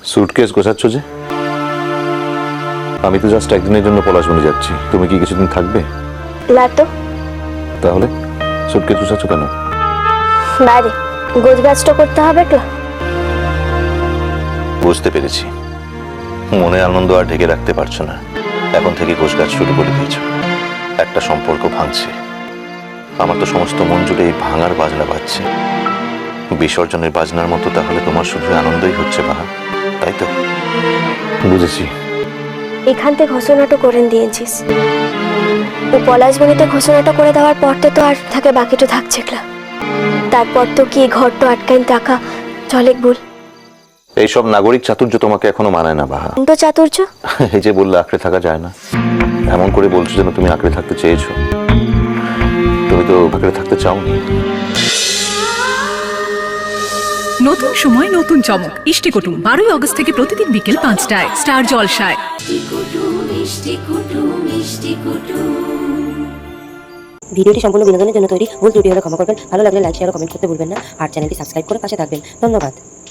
Suitcase গোছাচ্ছ যে? আমি তো জাস্ট একদিনের জন্য পলাশবনে যাচ্ছি, তুমি কি কিছুদিন থাকবে? না তো। তাহলে সুটকেস গোছাচ্ছ কেন? বাইরে গোছগাছটা করতে হবে তো। বুঝতে পেরেছি, মনে আনন্দ আর ঢেকে রাখতে পারছো না, এখন থেকে গোছগাছ শুরু করে দিয়েছ। একটা সম্পর্ক ভাঙছে, আমার তো সমস্ত মন জুড়ে এই ভাঙার বাজনা বাজছে। বিসর্জনের বাজনার মতো তাহলে তোমার শুধু আনন্দই হচ্ছে বাহা, তাই তো? বুঝেছি। এখান থেকে ঘোষণাটা করে দিয়েছিস, ও পলাশবনিতে ঘোষণাটা করে দেওয়ার পর তো আর থাকে বাকিটা থাকছে না। তারপর তো কি ঘরটা আটকাইন টাকা চলে বল। এইসব নাগরিক চাতুর্য তোমাকে এখনো মানায় না বাহা। তো চাতুর্য এই যে বললে আঁকড়ে থাকা যায় না, এমন করে বলছো যেন তুমি আঁকড়ে থাকতে চেয়েছো। তুমি তো আঁকড়ে থাকতে চাওনি। নতুন সময় নতুন চমক। ইষ্টিকুটুম 12ই আগস্ট থেকে প্রতিদিন বিকেল 5টায় স্টার জলসায়। ভিডিওটি সম্পূর্ণ বিনোদনের জন্য তৈরি, ভুল ত্রুটি হলে ক্ষমা করবেন। ভালো লাগলে লাইক, শেয়ার ও কমেন্ট করতে ভুলবেন না। আর চ্যানেলটি সাবস্ক্রাইব করে পাশে থাকবেন। ধন্যবাদ।